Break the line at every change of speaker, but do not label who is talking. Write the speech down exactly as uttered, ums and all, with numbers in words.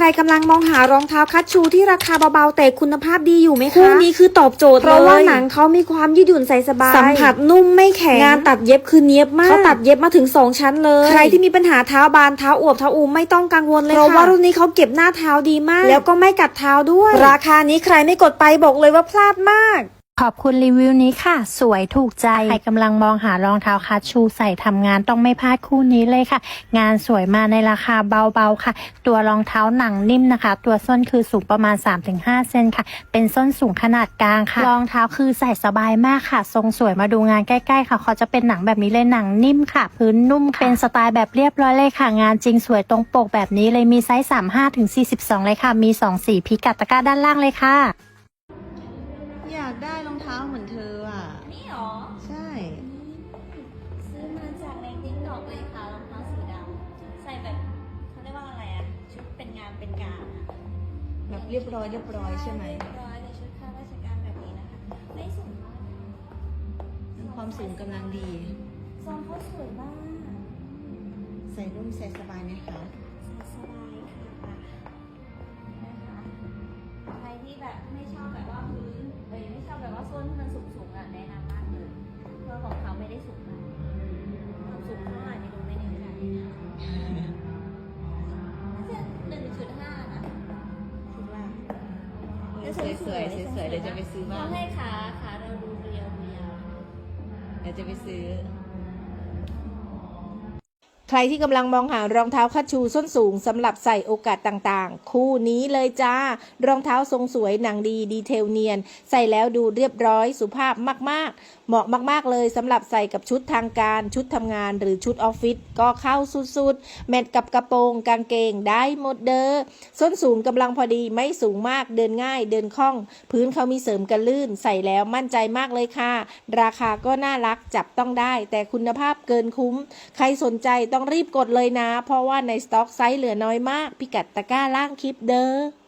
รกำลังมองหารองเท้าคัชชูที่ราคาเบาๆแต่คุณภาพดีอยู่ไหมคะคู่นี้คือตอบโจทย์เพราะว่าหนังเขามีความยืดหยุ่นใส่สบายสัมผัสนุ่มไม่แข็งงานตัดเย็บคือเนียบมากเขาตัดเย็บมาถึงสองชั้นเลยใครที่มีปัญหาเท้าบานเท้าอวบเท้าอูมไม่ต้องกังวลเลยค่ะเพราะว่ารุ่นนี้เขาเก็บหน้าเท้าดีมากแล้วก็ไม่กัดเท้าด้วยราคานี้ใครไม่กดไปบอกเลยว่าพลาดมาก
ขอบคุณรีวิวนี้ค่ะสวยถูกใจใครกำลังมองหารองเท้าคัชชูใส่ทำงานต้องไม่พลาดคู่นี้เลยค่ะงานสวยมาในราคาเบาๆค่ะตัวรองเท้าหนังนิ่มนะคะตัวส้นคือสูงประมาณ สามถึงห้า เซนค่ะเป็นส้นสูงขนาดกลางค่ะรองเท้าคือใส่สบายมากค่ะทรงสวยมาดูงานใกล้ๆค่ะเขาจะเป็นหนังแบบนี้เลยหนังนิ่มค่ะพื้นนุ่มเป็นสไตล์แบบเรียบร้อยเลยค่ะงานจริงสวยตรงปกแบบนี้เลยมีไซส์ สามสิบห้าถึงสี่สิบสอง เลยค่ะมีสองสีพิกัดตะกร้าด้านล่างเลยค่ะ
อยากได้รองเท้าเหมือนเธออ่ะ
นี่หรอ
ใช่
ซื้อมาจากในติ๊กต็อกเลยค่ะรองเท้าสีดำใส่แบบเขาเรียกว่าอะไรอะชุดเป็นงานเป็นการอะ
แบบเรียบร้อยเรียบร้อยใช่ไหม
เรียบร้อยในชุดข้าราชการแบบนี้นะคะไม่สูงมาก
ความสูงกำลังดี
ทรงเขาสวยมาก
ใส่นุ่มใส่สบายไหมคะ
ใส่สบายค่ะนะคะใครที่แบบไม่ชอบแบบว่าพื้นเอ้ยไม่ชอบแบบว่าส้นที่มันสูงๆอะแนะนำมากเลยเพราะของเขาไม่ได้สูงมากความสูงเท่าไหร่ไม่รู้ไม่แน่ใจน่าจะหนึ่งจุดห้านะ
คิดว่าสวยสวยสวยๆเดี๋ยวจะไปซื้อบ้าง
ต้องให้ขาขาเราดูเรียวเรียว
เดี๋ยวจะไปซื้อใครที่กำลังมองหารองเท้าคัชชูส้นสูงสำหรับใส่โอกาสต่างๆคู่นี้เลยจ้ารองเท้าทรงสวยหนังดีดีเทลเนียนใส่แล้วดูเรียบร้อยสุภาพมากๆเหมาะมากๆเลยสำหรับใส่กับชุดทางการชุดทำงานหรือชุดออฟฟิศก็เข้าสุดๆแมทกับกระโปรงกางเกงได้หมดเด้อส้นสูงกำลังพอดีไม่สูงมากเดินง่ายเดินคล่องพื้นเขามีเสริมกันลื่นใส่แล้วมั่นใจมากเลยค่ะราคาก็น่ารักจับต้องได้แต่คุณภาพเกินคุ้มใครสนใจต้องรีบกดเลยนะเพราะว่าในสต็อกไซส์เหลือน้อยมากพิกัดตะกร้าล่างคลิปเด้อ